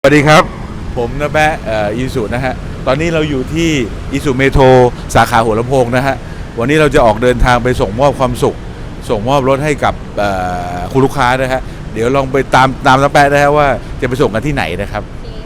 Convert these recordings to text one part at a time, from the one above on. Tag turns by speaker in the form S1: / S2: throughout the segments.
S1: สวัสดีครับผมนะแปะอีสุนะฮะตอนนี้เราอยู่ที่อีสุเมโทรสาขาหัวลำโพงนะฮะวันนี้เราจะออกเดินทางไปส่งมอบความสุขส่งมอบรถให้กับคุณลูกค้านะฮะเดี๋ยวลองไปตามนะแปะนะฮะว่าจะไปส่งกันที่ไหนนะครับ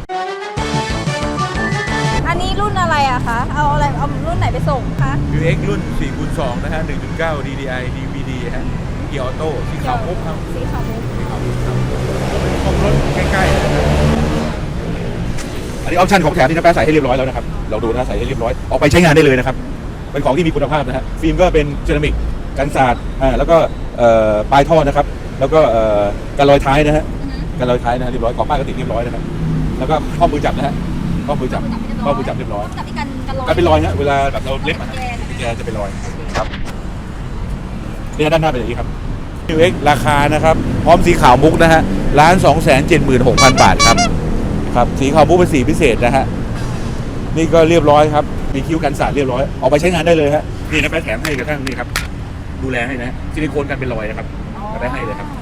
S2: อันนี้รุ่นอะไรอะคะเอารุ่นไหนไปส่งคะ
S1: UX รุ่น 4x2 นะฮะ 1.9 DDI DVD ฮะเกียร์ออโต้สีขาวมุกครับ
S2: สีขาวมุก
S1: ครับของรถใกล้ๆนะครับอันนี้ออปชั่นของแถมที่น้าแป๊ะใส่ให้เรียบร้อยแล้วนะครับเราดูนะใส่ให้เรียบร้อยออกไปใช้งานได้เลยนะครับเป็นของที่มีคุณภาพนะฮะฟิล์มก็เป็นเซรามิกกันสาดแล้วก็ปลายท่อนะครับแล้วก็กันรอยท้ายนะฮะกันรอยท้ายนะเรียบร้อยกรอบป้ายก็ติดเรียบร้อยนะครับแล้วก็ข้อมือจับนะฮะข้อมือจับเรียบร้อย
S2: จับที่กันรอย
S1: กันเป็นรอยนะเวลาแบบเราเล็บมันแกจะเป็นรอยครับนี่ด้านหน้าเป็นอย่างนี้ครับ UX ราคานะครับพร้อมสีขาวมุกนะฮะ1,276,000 บาทครับครับสีขาวมุกเป็นสีพิเศษนะฮะนี่ก็เรียบร้อยครับมีคิ้วกันสาดเรียบร้อยออกไปใช้งานได้เลยฮะนี่นะแป๊ะแถมให้กระทั่งนี่ครับดูแลให้นะซิลิโคนกันเป็นรอยนะครับแป๊ะให้เลยครับ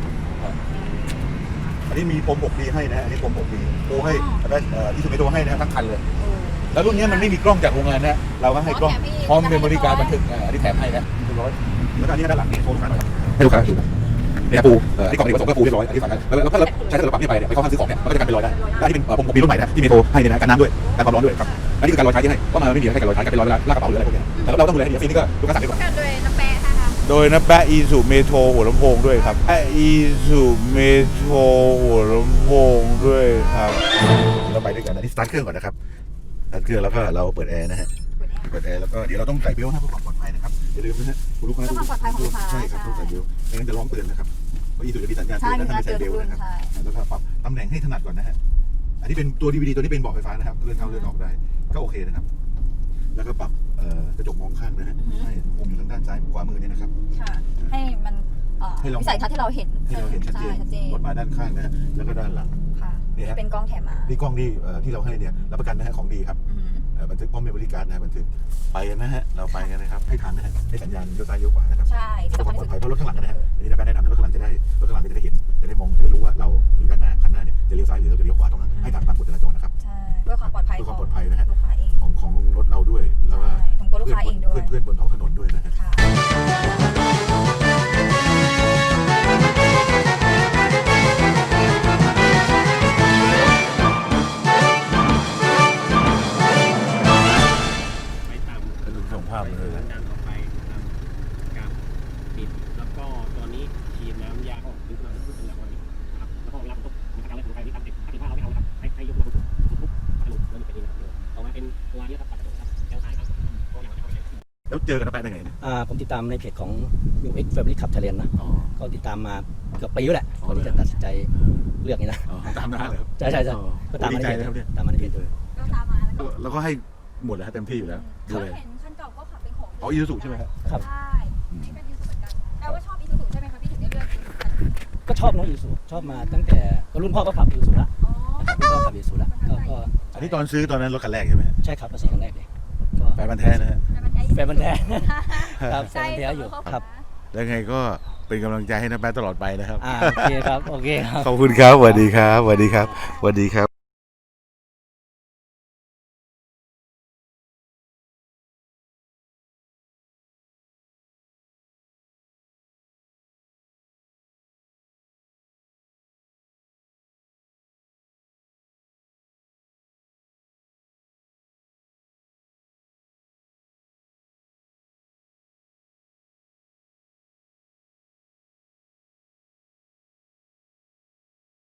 S1: อันนี้มีพรม 6D ให้นะฮะอันนี้พรม 6D ปูให้แป๊ะอีซูเมโทรให้นะทั้งคันเลยแล้วรุ่นนี้มันไม่มีกล้องจากโรงงานนะเราก็ให้กล้องพร้อมเป็นบริการบันทึกอันนี้แถมให้นะเรียบร้อยแล้วก็อันนี้ด้านหลังนี่โชว์ลูกค้าหน่อยให้ลูกค้าดูเนี่ยปูที่กล่องดีกว่าส่งก็ปูเรียบร้อยที่ฝั่งนั้นแล้วถ้าเราใช้ถ้าเราปรับนี่ไปเนี่ยไปเข้าห้างซื้อของเนี่ยมันก็จะกันเป็นรอยได้ที่เป็นผมมีรุ่นใหม่นะที่เมโทรให้เนี่ยนะกันน้ำด้วยกันความร้อนด้วยครับอันนี้คือการรอยท้ายที่ให้ว่ามันไม่มีให้กันรอยท้ายกันเป็นรอยเวลาลากกระเป๋าหรืออะไรพวกนี้แต่เราต้องดูแลให้ดีฟรีนี่ก็ลูกค้าสั่งดีกว่า
S2: โดยน้ำแปะค่ะ
S1: โดยน้ำแปะอีสุเมโทรหัวลำโพงด้วยครับอีสุเมโทรหัวลำโพงด้วยครับเราไปด้วยกันอันนี้สตาร์ทเครื่องก่อนนะครับสตาร์ทเครื่องแล้วก็เราเปิดแอร์นะฮะเปิดแอร์แล้วก็เดี๋ยวเราต้องใส่เบลต์นะเพื่อความปลอดภัยนะครับอย่าลืมนะฮะคุณลูกค้าต้องใช่ครับต้องใส่เบลต์ไม่งั้นจะร้องเตือนนะครับเพราะอีสุจะมีสัญญาณเตือนถ้าไม่ใส่เบลต์นะครับแล้วก็ปรับตำแหน่งให้ถนัดก่อนนะฮะอันนี้เป็นตัว DVD ตัวนี้เป็นเบาะไฟฟ้านะครับเลื่อนเข้าเลื่อนออกได้ก็โอเคนะครับแล้วก็ปรับกระจกมองข้างนะฮะให้มุมอยู่ทางด้านซ้ายขวามือเนี่ยนะครับ
S2: ให้มันวิสัยทัศน์ที่เราเห็น
S1: ชัดเจนรถมาด้านข้างนะฮะแล้วก็ด้านหลัง
S2: นี่เป็นกล้องแถมมา
S1: นี่กล้องที่เราให้เนี่ยรับประกันนะฮะของดีครับบันทึกพร้อมเมมโมรี่การ์ดนะบันทึกไปกันนะฮะเราไปกันนะครับให้ทันนะฮะให้สัญญาณเลี้ยวซ้ายเลี้ยวขวานะครับ
S2: ใช่
S1: เพื่อความปลอดภัยเพราะรถข้างหลังนะฮะอันนี้นะแนะนำรถข้างหลังจะได้เห็นจะได้มองจะได้รู้ว่าเราอยู่ด้านหน้าคันหน้าเนี่ยจะเลี้ยวซ้ายหรือเราจะเลี้ยวขวาต้องให้ตามกฎจราจรนะครับ
S2: ใช่เพื่อความปลอดภัย
S1: นะฮะของรถเราด้วยแล้วก็
S2: ของตัวลูกค้าเองด้วย
S1: เพื่อนบนท้องถนนด้วยนะฮะส่งภาพเลย
S3: ดันออกไปนะครับกับปิดแล้วก็ตอนนี้ทีมน้ำยาก็ดึงมาขึ้นเป็นแบบนี้นะครับแล้วก็รับตุ๊กนะครับการเล่นของใครที่ทำเด็กถ้าเราไม่เอาครับให้ยกมือทุบกระดูกแล้วมีเป็นนี้นะครับออกมาเป็นตัวนี้ครับปัดกระดูกครับแถวซ้ายครับก็อย่างนี้
S1: แล้วเจอกันแปะได้ไงเนี่ย
S4: ผมติดตามในเพจของ UX Family Club Thailand นะก็ติดตามมาเกือบปีแล้วแหละก่อนที่จะตัดสินใจเลือกนี่นะ
S1: ตามมาเลย
S4: ใช่ก็ตามมาในเพจตามมาในเพจเลย
S1: แล้วก็ให้หมดแล้วเต็มที่อยู่แล้วดูเลยอีซูซูใช่ไหมครับ
S2: ใช่นี่เป็นอีซูซูเหมือนกันแปลว่าชอบอีซูซูใช่ไหมคะพี่ถึงได้เลือก
S4: ก็ชอบน้องอีซูซูชอบมาตั้งแต่รุ่นพ่อก็ขับอีซูซูละรุ่นพ่อขับอีซูซูละก็
S1: อันนี้ตอนซื้อตอนนั้นรถคันแรกใช่ไหม
S4: ใช่ครับภาษีคันแรกเลย
S1: ก็แฟนพันธุ์แท้นะฮะ
S4: แฟนพันธุ์แท้ครับแฟนพันธุ์แท้อยู่ครับ
S1: แล้วไงก็เป็นกำลังใจให้น้าแป๊ะตลอดไปนะครับ
S4: โอเคครับ
S1: ขอบคุณครับสวัสดีครับ